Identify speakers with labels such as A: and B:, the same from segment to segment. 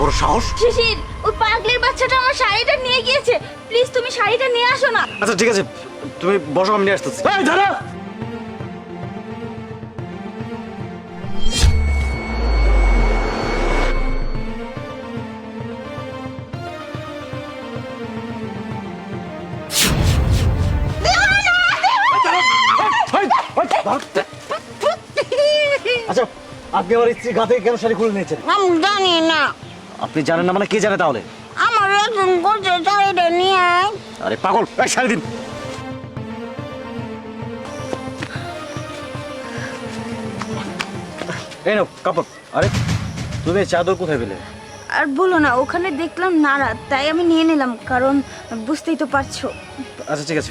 A: বড় সাহস!
B: শিশির, ওই পাগলের বাচ্চাটা আমার শাড়িটা নিয়ে গিয়েছে। প্লিজ তুমি শাড়িটা নিয়ে আসো না।
A: আচ্ছা ঠিক আছে, তুমি বসো, আমি নিয়ে আসতেছি। এই দাঁড়া! আচ্ছা, আপনি আমার স্ত্রীর গা থেকে কেন শাড়ি খুলে নিয়েছেন?
C: আমি জানি না,
A: আপনি জানেন না মানে কে জানে তাহলে?
C: আমার একজন বলছে শাড়িটা নিয়ে আয়।
A: আরে পাগল, এই শাড়ি দিন। এই নাও কাপড়। আরে তুমি এই চাদর কোথায় পেলে?
B: আর বলো না, ওখানে দেখলাম নাড়া, তাই আমি নিয়ে নিলাম, কারণ বুঝতেই তো পারছো।
A: আচ্ছা ঠিক আছে।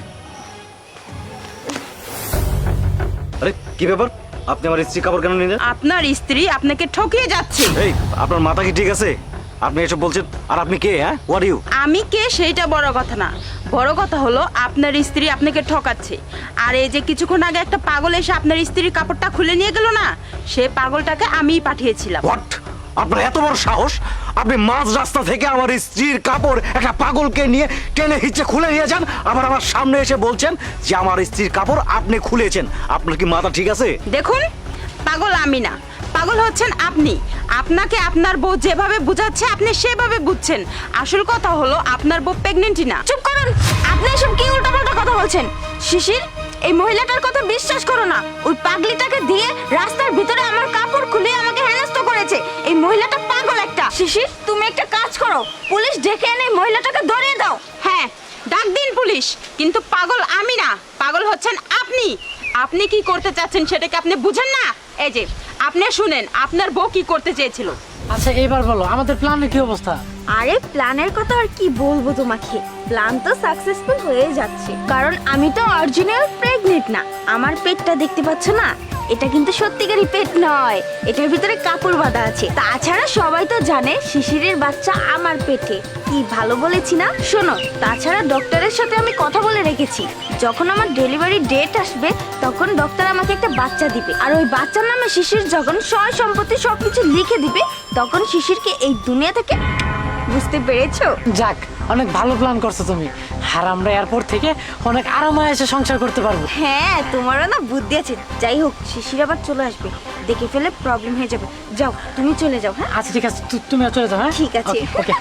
A: আরে কি ব্যাপার, আপনি আমার স্ত্রী কাপড় কেন নিলেন?
D: আপনার স্ত্রী আপনাকে ঠকিয়ে যাচ্ছে।
A: এই আপনার মাথা কি ঠিক আছে? আপনি এসব বলছেন? আর আপনি কে? হ্যাঁ, হোয়াট ইউ?
D: আমি কে সেইটা বড় কথা না, বড় কথা হলো আপনার স্ত্রী আপনাকে ঠকাচ্ছে। আর এই যে কিছুক্ষণ আগে একটা পাগল এসে আপনার স্ত্রীর কাপড়টা খুলে নিয়ে গেল না, সে পাগলটাকে আমিই পাঠিয়েছিলাম।
A: হোয়াট? আপনার এত বড় সাহস, আপনি মাঝ রাস্তা থেকে আমার স্ত্রীর কাপড় একটা পাগলকে নিয়ে টেনে হিচে খুলে নিয়ে যান, আবার আমার সামনে এসে বলছেন যে আমার স্ত্রীর কাপড় আপনি খুলেছেন। আপনার কি মাথা ঠিক আছে?
D: দেখুন, পাগল আমি না, পাগল হচ্ছেন আপনি। আপনাকে আপনার বউ যেভাবে বুঝাচ্ছে আপনি সেভাবে বুঝছেন। আসল কথা হলো আপনার বউ প্রেগনেন্টই না।
B: চুপ করুন, আপনি এসব কি উল্টাপাল্টা কথা বলছেন? শিশির, এই মহিলাটার কথা বিশ্বাস করো না। ওই পাগলিটাকে দিয়ে রাস্তার ভিতরে আমার কাপড় খুলে আমাকে হেনস্থ করেছে। এই মহিলাটা পাগল একটা। শিশির, তুমি একটা কাজ করো, পুলিশ ডেকে এনে এই মহিলাটাকে ধরিয়ে দাও।
D: হ্যাঁ, ডাক দিন পুলিশ, কিন্তু পাগল আমি না, পাগল হচ্ছেন আপনি। আপনি কি করতে চাচ্ছেন সেটাকে আপনি বুঝেন না? এই যে আপনি শুনেন, আপনার বউ কি করতে চেয়েছিল।
E: আচ্ছা এবার বলো আমাদের প্ল্যানের কি অবস্থা?
B: আরে প্ল্যানের কথা আর কি বলবো তোমাকে, প্ল্যান তো সাকসেসফুল হয়ে যাচ্ছে, কারণ আমি তো অরিজিনাল প্রেগনেন্ট না। আমার পেটটা দেখতে পাচ্ছ না, এটা কিন্তু সত্যিকারই পেট নয়, এটার ভিতরে কাপড় বাঁধা আছে। তাছাড়া সবাই তো জানে শিশিরের বাচ্চা আমার পেটে। কি ভালো বলেছি না? শোনো, তাছাড়া ডক্টরের সাথে আমি কথা বলে রেখেছি, যখন আমার ডেলিভারি ডেট আসবে তখন ডক্টর আমাকে একটা বাচ্চা দিবে, আর ওই বাচ্চার নামে শিশির যখন সয় সম্পত্তি সবকিছু লিখে দিবে, তখন শিশিরকে এই দুনিয়া থেকে, বুঝতে পেরেছো?
E: যাক, অনেক ভালো প্ল্যান করছো তুমি। আর আমরা এয়ারপোর্ট থেকে অনেক আরামে এসে সংসার করতে পারবো।
B: হ্যাঁ, তোমারও না বুদ্ধি আছে। যাই হোক, শিশির আবার চলে আসবে, দেখে ফেলে প্রবলেম হয়ে যাবে। যাও, তুমি চলে যাও। হ্যাঁ
E: আচ্ছা ঠিক আছে, তুমি চলে যাও। হ্যাঁ
B: ঠিক আছে।
E: ওকে।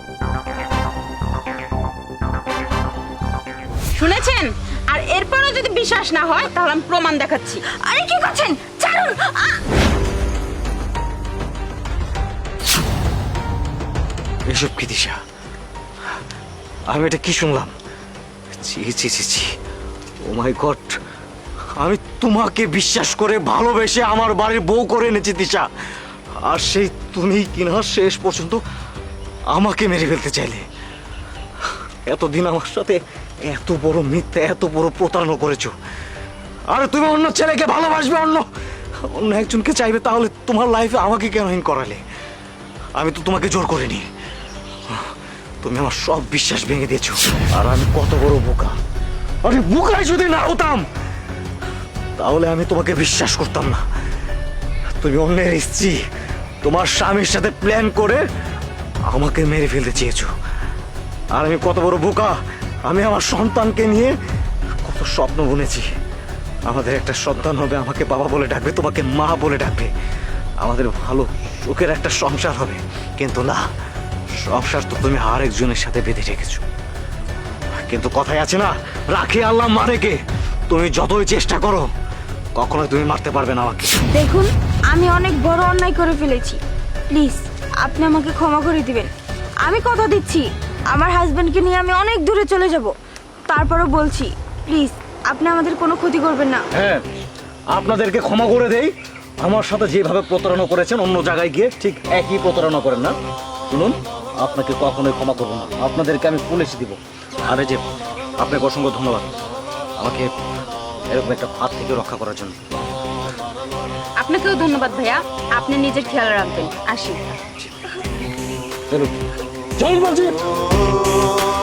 D: শুনেছেন? আর এরপরও যদি বিশ্বাস না হয় তাহলে আমি প্রমাণ দেখাচ্ছি।
B: আরে কি করছেন? ছাড়ুন।
A: এসব কি দিশা? আমি এটা কি শুনলাম? ছি ছি ছি ছি, ও মাই গড! আমি তোমাকে বিশ্বাস করে ভালোবেসে আমার বাড়ির বউ করে এনেছি দিশা, আর সেই তুমি কিনা শেষ পর্যন্ত আমাকে মেরে ফেলতে চাইলে। এতদিন আমার সাথে এত বড় মিথ্যা, এত বড় প্রতারণা করেছো। আরে তুমি অন্য ছেলেকে ভালোবাসবে, অন্য একজনকে চাইবে, তাহলে তোমার লাইফে আমাকে কেন হিন করালে? আমি তো তোমাকে জোর করিনি। তুমি আমার সব বিশ্বাস ভেঙে দিয়েছো, আর আমি কত বড় বোকা! আরে বোকাই যদি না হতাম তাহলে আমি তোমাকে বিশ্বাস করতাম না। তুমি অন্যের স্ত্রী, তোমার স্বামীর সাথে প্ল্যান করে আমাকে মেরে ফেলতে চেয়েছো। আর আমি কত বড় বোকা! আমি আমার সন্তানকে নিয়ে কত স্বপ্ন বুনেছি। আমাদের একটা সন্তান হবে, আমাকে বাবা বলে ডাকবে, তোমাকে মা বলে ডাকবে, আমাদের ভালো সুখের একটা সংসার হবে। কিন্তু না, সংসার তো তুমি আরেকজনের সাথে বেঁধে রেখেছো। কিন্তু কথাই আছে না, রাখে আল্লাহ মানে কে? তুমি যতই চেষ্টা করো কখনোই তুমি মারতে পারবে না আমাকে।
B: দেখুন, আমি অনেক বড় অন্যায় করে ফেলেছি, প্লিজ আপনি আমাকে ক্ষমা করে দিবেন। আমি কথা দিচ্ছি, আমার হাজবেন্ডকে নিয়ে আমি অনেক দূরে চলে যাব। তারপরও বলছি, প্লিজ আপনি আমাদের কোনো ক্ষতি করবেন না।
A: হ্যাঁ, আপনাদেরকে ক্ষমা করে দেই। আমার সাথে যেভাবে প্রতারণা করেছেন অন্য জায়গায় গিয়ে ঠিক একই প্রতারণা করেন না। শুনুন, আপনাকে কখনোই ক্ষমা করবো না, আপনাদেরকে আমি পুলিশে দিব। আর এই যে আপনাকে অসংখ্য ধন্যবাদ আমাকে এরকম একটা ফাঁদ থেকে রক্ষা করার জন্য।
D: আপনাকেও ধন্যবাদ ভাইয়া, আপনি নিজের খেয়াল রাখবেন। আসি।
A: চলুন, চলুন বলছি।